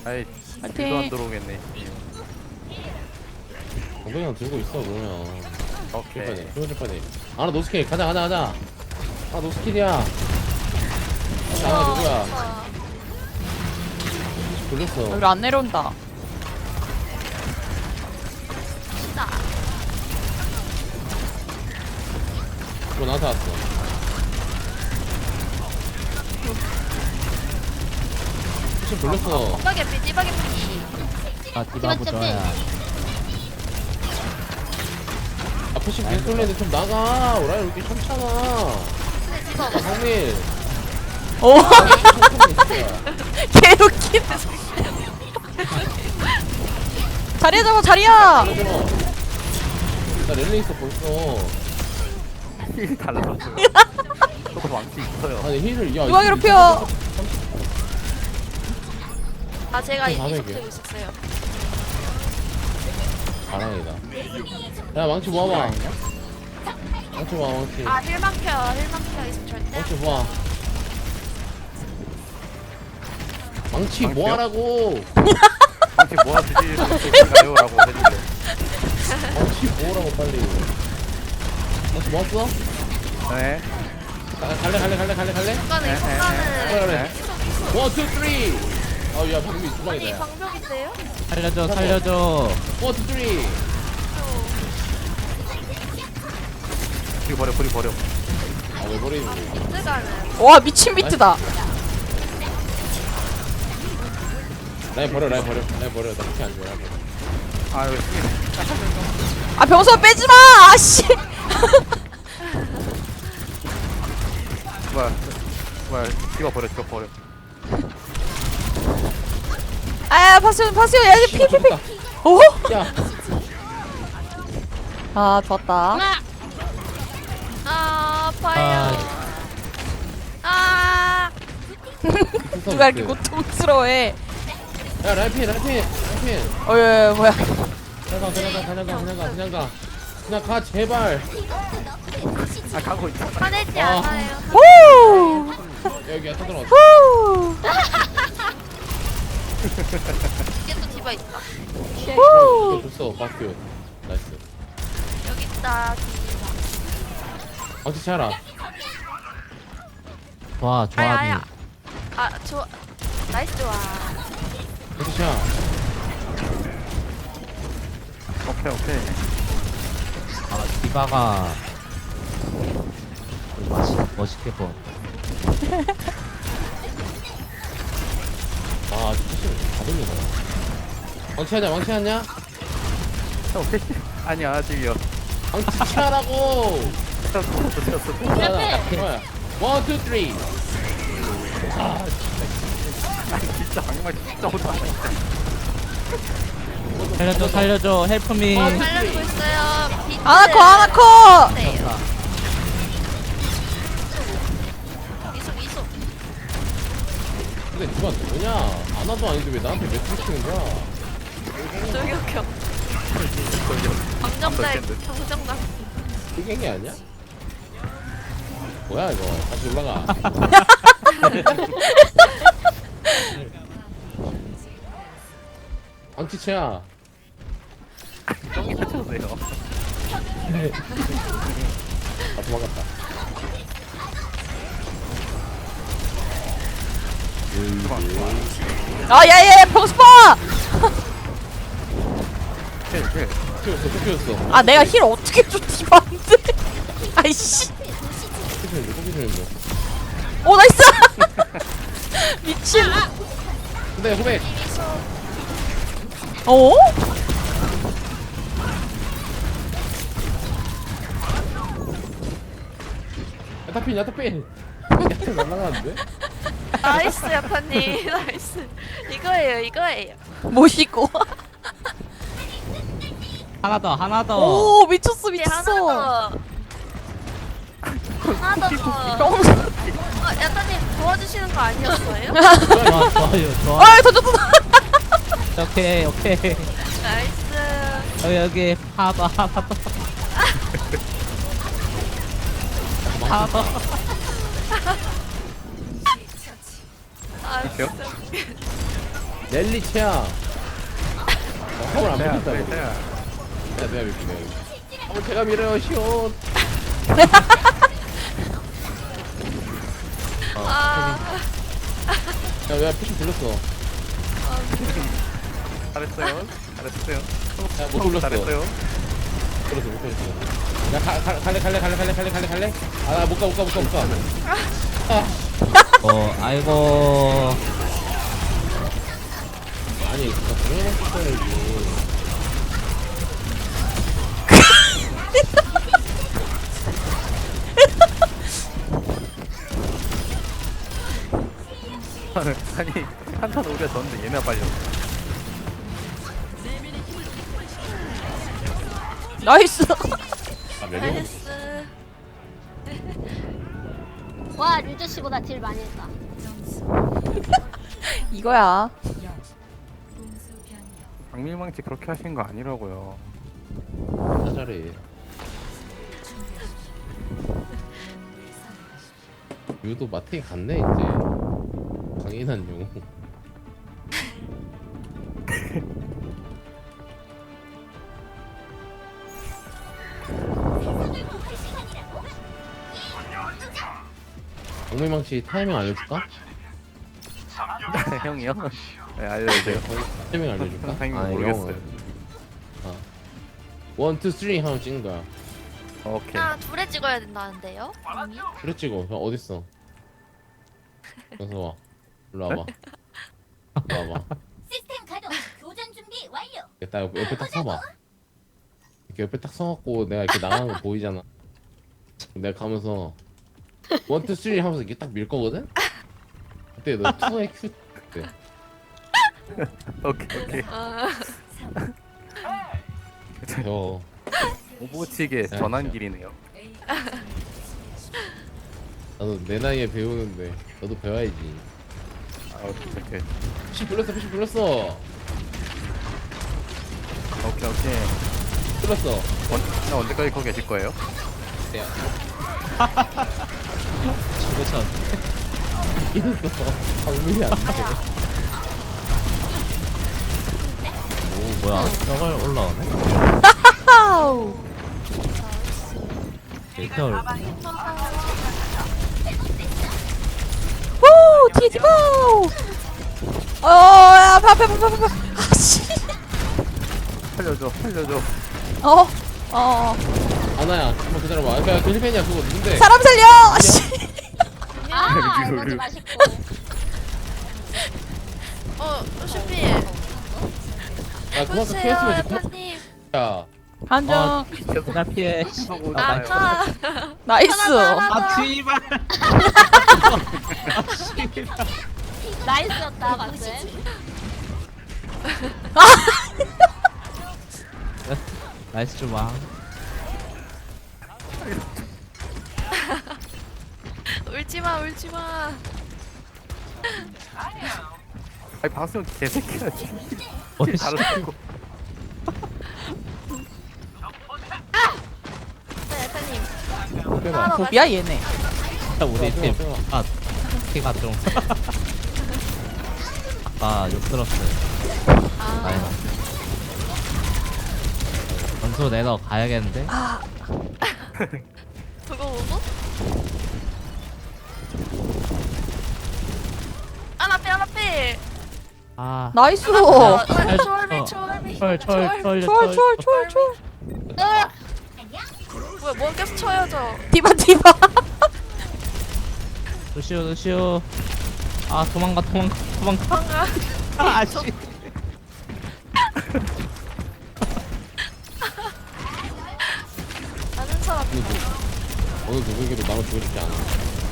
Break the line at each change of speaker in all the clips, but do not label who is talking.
아이 딜도 안
파이팅.
들어오겠네.
그냥 들고 있어 그러면.
오케이.
빨리 빨리. 아나 노스킬 가자. 아 노스킬이야. 아 누구야? 돌렸어.
여기 안 내려온다.
이거 나한테 왔어. 혹시 돌렸어.
찌바게피.
아 디바 부조야.
아 푸시 계속 돌렸는데 좀 나가. 오라이 이렇게 참잖아. 아 성민.
오,
참잖아.
개웃기네. 자리야 잡아, 자리야.
나 랠리 있어 벌써.
힐 달라졌어요. 저도 망치 있어요.
아니 힐을 야.
누가 괴롭혀?
아 제가
좀
이속
다르게.
들고 있었어요.
바람이다. 야 망치 모아봐. 망치 모아 망치.
아 힐망켜 이속 절대.
망치 모아. 망치
망치요?
모아라고.
망치 모아주지 가요라고 해줄래.
망치 모으라고 빨리. 망치 모았어?
네.
갈래?
이거는
그래. 1, 2, 3. 야 방금이 두
아니
방이다.
방벽인데요?
살려줘.
1, 2, 3.
버리 버려.
아왜 버리는 거야?
비트가는
와, 미친 비트다.
라인 버려. 나 그렇게 안 좋아.
아 이거 힘이
아, 병서 빼지 마. 아씨.
뭐야 디바 버려.
아, 파시오, 야, 이제 피. 오?
야,
아, 좋았다.
아 아파요. 아
누가 이렇게 고통스러워해.
야 라이핀.
예, 뭐야.
그냥 가. 그냥 가 제발.
아 가고 있잖아.
화내지
아.
않아요.
후!
여기 야타 들어왔어.
후!
이게 또 디바 있다.
후!
줬어 바큐. 나이스.
여기 있다. 디바.
망치 차라.
좋아 조합이.
아야. 아 좋아. 나이스 좋아.
망치 차.
오케이.
아 디바가 멋있게 보.
아 사실 다 돌리네. 망치 하냐?
오케이. 아니야 아직이요.
망치 차라고.
됐어.
하나. 1, 2, 3.
아 진짜 악마 진짜 못하네.
살려줘 헬프미.
살려주고 있어요. 비트.
아나코!
네. 이속.
근데 누가 누구냐? 아나도 아닌데 왜 나한테 매트 치는 거야?
저격형. 경정당.
흑행이 아니야? 뭐야 이거? 다시 올라가. 망치채야.
쫑이 펼쳐주세요.
아 도망갔다.
아, 야, 병서 봐!
오케이.
튀었어.
아, 내가 힐 어떻게 줘, 디바한테. 아이씨.
튀었는데.
오, 나이스! 미친.
근데 후백.
어?
야타핀. 야타 날라가는데?
나이스 야파님. 나이스. 이거예요.
뭐시고?
하나 더.
오, 미쳤어.
네, 하나 더. 야타님 도와주시는 거 아니었어요?
좋아요.
아, 던졌어.
오케이.
나이스.
여기 하버.
아,
있어요?
진짜.
랠리 체야. 화물 안
내가
밀린다고.
내가
야, 내가 밀게, 내가 밀게. 화물 제가 밀어요, 시온.
아,
야, 왜 패션 불렀어?
잘했어요. 잘했어요.
야, 못 불렀어.
잘했어요.
그래서 못 불렀어. 야, 갈래? 아, 나 못 가.
아이고.
아니, 나 당연히 했어야지.
아니 한탄 우리가 졌는데 얘네가 빨리 졌어.
나이스.
아, 랠리
나이스.
와 류저 씨보다 딜 많이 했다.
이거야.
박밀망치 그렇게 하신 거 아니라고요.
다 잘해. 유도 마트에 갔네 이제. 강인한 용. 엉매망치 타이밍 알려줄까?
형이요? 네 알려주세요.
타이밍 알려줄까?
타이밍
아,
모르겠어요.
원, 투, 쓰리 하면 찍는 거야.
오케이.
하나 둘에 찍어야 된다는데요? 언니?
그래 찍어. 그럼 어딨어? 어서 와. 일로 와봐. 일로 와봐.
시스템 가동. 교전 준비 완료.
나 옆에 딱 서봐. 이렇게 옆에 딱 서갖고 내가 이렇게 나가는 거 보이잖아. 내가 가면서 원, 투, 쓰리 하면서 이렇게 딱 밀 거거든? 그때 너 투에 큐 그때.
오케이.
아,
저
오버워치계
야,
전환길이네요.
나도 내 나이에 배우는데 너도 배워야지.
아 오케이.
피시 불렀어.
오케이.
불렀어.
나 언제까지 거기 계실 거예요?
야,
죽으셨.
이겼어. 방밀이 안 돼.
오, 뭐야. 저걸 올라오네.
아우.
메테올.
오, 뒤에 디바. 야, 앞에. 아씨.
살려줘.
아나야, 한번 기다려봐. 야, 그 힐팬이야 그거 누군데?
사람 살려. 아씨.
아 에너지 맛있고.
쇼피.
야, 그만큼
보세요,
피했으면 이제 그만.
아빠님.
야,
한정.
나 피해.
아까
나이스.
아, 씨발.
나이스였다 맞지?
나이스 주방.
울지마.
아니 박수형 개새끼야.
어이씨.
달라고.
네, 아빠님.
빼봐.
도비야 얘네.
우리 팀.
빼봐.
아, 키가 좀. 아까 욕 들었어요. 아이고. 원수 내러 가야겠는데?
그거 보고? 하나 빼.
아.
나이스.
초월미.
초월.
뭐야, 뭔 계속 쳐야죠.
디바.
루시오. 아, 도망가.
뭔가.
아, 씨.
아는 사람.
어느 누구에게도 나만 주고 싶지 않아.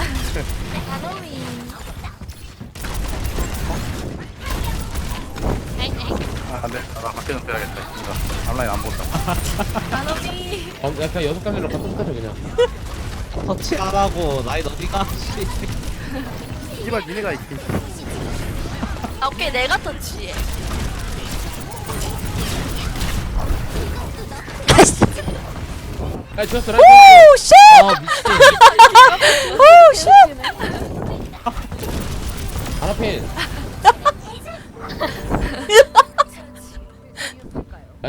아 안돼. 나 밖에 좀 빼야겠다. 이거 앞라인 안 본다.
나노미.
야, 그냥 6가지로 바텀 타자 그냥.
터치 안 하고 라인 어디가? 씨.
이발 니네가 있긴.
아, 오케이, 내가 터치해.
야, 죽었어, 라이트.
오, 쉣.
아, 미친.
오, 쉣.
하나핀.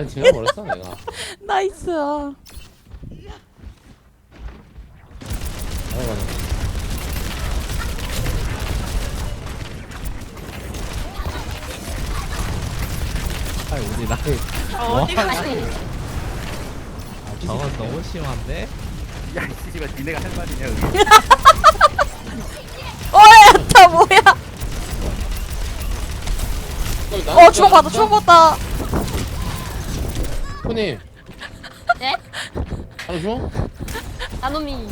아니 제가 버렸어 내가.
나이스.
맞아.
아 우리 라인
어디 가?
저건 너무 심한데?
야, 이 씨발 니네가 할 말이냐, 여기.
야타 뭐야? 주먹받아 주먹받아.
손님
네?
하나 줘?
나눔이.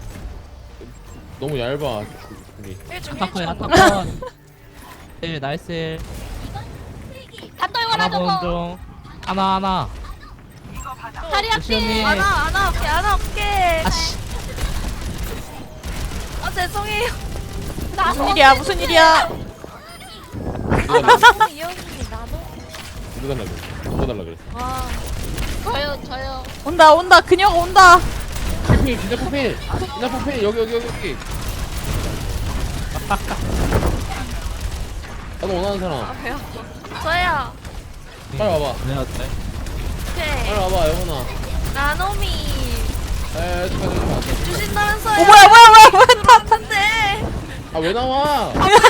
너무 얇아. 우리.
아타커 아타커. 일 나이스.
다 떨고
하나
나도
보는 중. 하나.
다리
루시언님.
앞에.
안아 올게.
아씨.
아 죄송해요.
무슨 일이야 무슨 일이야?
너무 이형이 나도.
누가 달라 그랬어? 누가 달라 그랬어?
와.
저요.
온다 그녀가 온다.
피필 진짜 피필. 진짜 피필 여기. 나도 원하는 사람.
배 아파. 저야.
빨리 와봐.
네 어때?
빨리
오케이.
와봐 여보나.
나노미.
잠깐만.
주신다면서요.
뭐야
안돼.
아 왜 나와?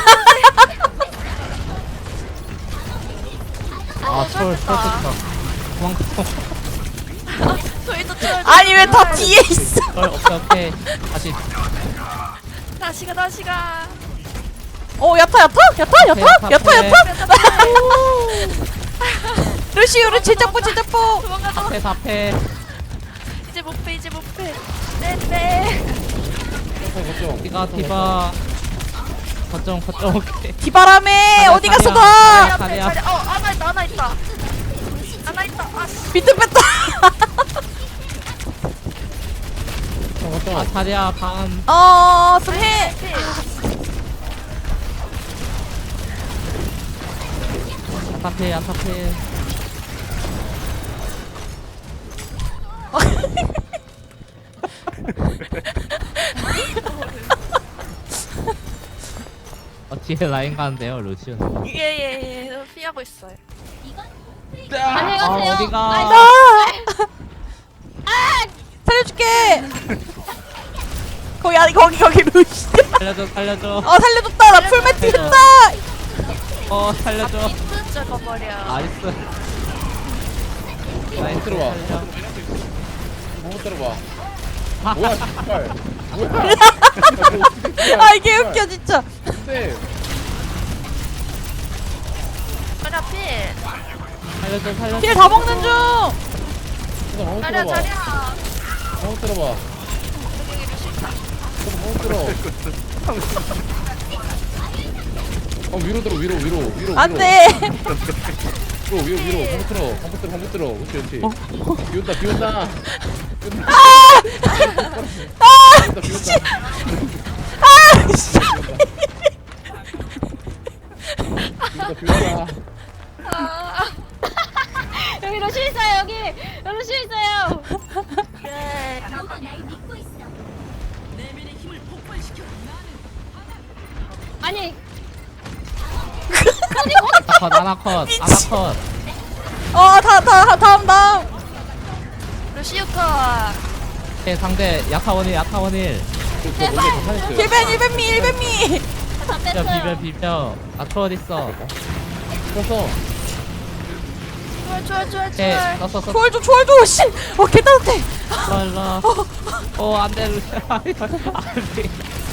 아철 터졌다. 도망가.
저희도 쩔.
아니 왜 다 뒤에 있어?
오케이. 다시.
다시 가.
야타. 루시우를 제작부.
도망가.
앞에.
이제 못 빼. 네.
걱정.
디바. 거점 오케이.
디바람에 어디 갔어 너?
자리야.
하나 있다. 아씨.
비트 뺐다.
걱정.
자리야 반.
좀 해.
안타페. 뒤에 라인 가는데요 루시온.
예. 피하고 있어요.
안녕히 가세요.
어디가?
살려줄게. 거기 루시.
살려줘.
살려줬다. 나 풀매트 했다.
살려줘.
비트 찍어버려.
나이스.
못 들어봐. 못 들어봐. 뭐야 씨발. 뭐야.
이게 웃겨 진짜.
근데
자리야 필.
살려줘.
힐 다 먹는 중.
못
자리야
들어봐.
자리야.
못 들어봐. 못 들어. 위로 들어 위로.
안돼.
위로 방부 들어. 그렇지. 비온다. 비온다.
여기 루시 있어요. 여기 루시 있어요.
네.
아니
아나컷.
다음.
루시우카.
네, 상대 야타원일.
저 먼저 사냈어요.
1벤미.
다 뺐어요.
비벼. 아초 어딨어?
쳤어.
좋아.
네, 썼어.
초월 줘. 씨. 개 따뜻해.
일로. 안돼 루시아. 안돼.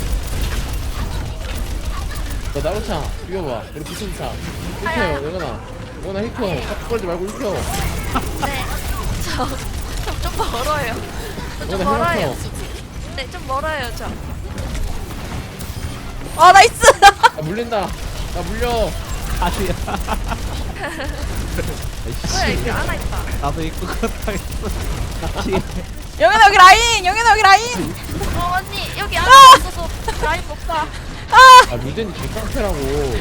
너 나루창 비워봐. 우리 비스차. 힐켜 영원아 힐켜. 딱 걸지 말고 힐켜.
네. 좀 멀어요. 좀
영원아
멀어요.
힐켜.
네, 좀 멀어요 저.
나이스.
나 물린다. 나 물려.
아니야.
뭐야 이게 하나 있다.
나도 입고 갔다 있어.
영현아 여기 라인.
언니 여기 안에 있어서 라인 못 가.
아 물젠이 개깡패라고.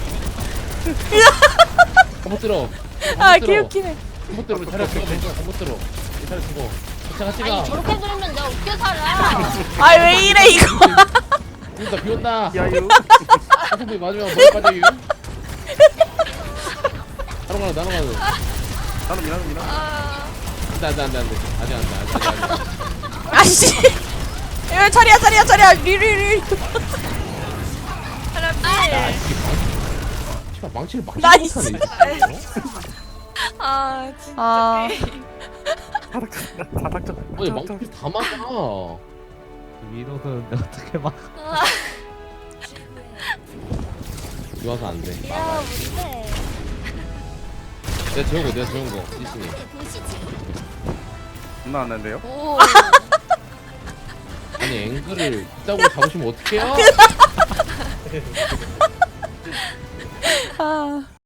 한번 들어.
개웃기네.
한번 들어. 우리 자리 죽어. 한번 들어. 우리 자리 죽어. 같이 가.
아니 저렇게 들으면 내가 어떻게 살아?
왜 이래 이거.
비온다.
야유.
한손 마지막 머리 빠져 유. 나눠 가는.
나는 미나.
안돼 아직 안돼.
아씨. 이거 자리야 리리리.
사람들.
씨발 망치를 막
나이스.
못하네.
아 진짜.
아.
바닥
아니 망치 다 맞아.
위로는 어떻게 막.
여기 와서 안 돼.
야 뭔데?
내가 재운 거 있으니.
존나 안 되는데요?
오.
아니 앵글을 이따고 잡으시면 어떡해요?
아.